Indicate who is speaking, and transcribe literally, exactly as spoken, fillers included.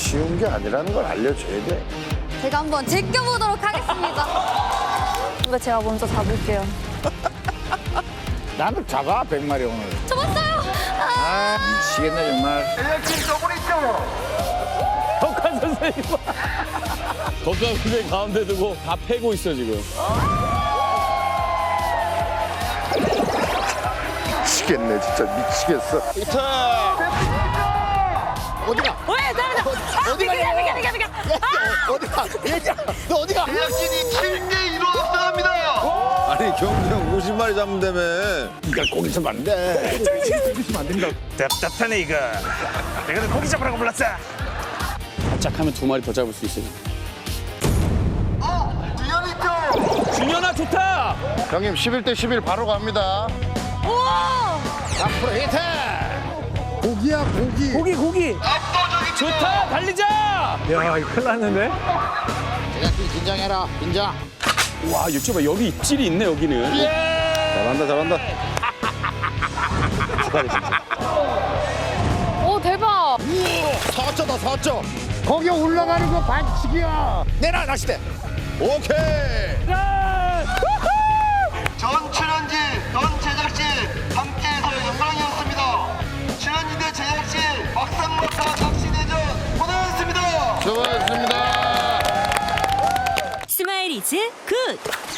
Speaker 1: 쉬운 게 아니라는 걸 알려줘야 돼.
Speaker 2: 제가 한번 제껴보도록 하겠습니다. 이거 제가 먼저 잡을게요.
Speaker 1: 나는 작아, 백마리 오늘.
Speaker 2: 잡았어요!
Speaker 1: 아, 미치겠네, 정말.
Speaker 3: 덕한 선생님. 덕한 선생님 가운데 두고 다 패고 있어 지금.
Speaker 1: 미치겠네, 진짜 미치겠어.
Speaker 3: 히트.
Speaker 1: 어디가?
Speaker 2: 왜? 나나
Speaker 1: 어디가?
Speaker 2: 비켜 비켜 비켜 비켜.
Speaker 1: 어디가? 얘자, 너 어디가?
Speaker 4: 제작진이 칠 대 이로 앞서갑니다.
Speaker 5: 아니 경주 형 오십 마리 잡는다며.
Speaker 1: 네가 고기 좀 안 돼. 고기 좀 안 된다.
Speaker 6: 답답하네 이거. 내가 너 고기 잡으라고 불렀어.
Speaker 3: 살짝 하면 두 마리 더 잡을 수 있어요.
Speaker 4: 어, 디아니토.
Speaker 3: 준현아 좋다.
Speaker 1: 형님, 십일 대 십일 바로 갑니다.
Speaker 2: 우와!
Speaker 1: 앞으로 히트! 고기야, 고기.
Speaker 3: 고기 고기.
Speaker 4: 압도적인
Speaker 3: 좋다 달리자. 야 이거 큰일 났는데.
Speaker 1: 제작진 긴장해라, 긴장.
Speaker 3: 와 육즙아 여기 입질이 있네 여기는.
Speaker 5: 잘한다 잘한다.
Speaker 2: 오 대박!
Speaker 1: 사점다, 사점. 거기 올라가는 거 반칙이야. 내놔, 낚싯대.
Speaker 5: 오케이.
Speaker 4: 전 출연진, 전 제작진 함께해서 영광이었습니다. 출연진대 제작진 막상막하 낚시 대전 고생하셨습니다.
Speaker 1: 수고하셨습니다.
Speaker 7: 스마일 이즈 굿!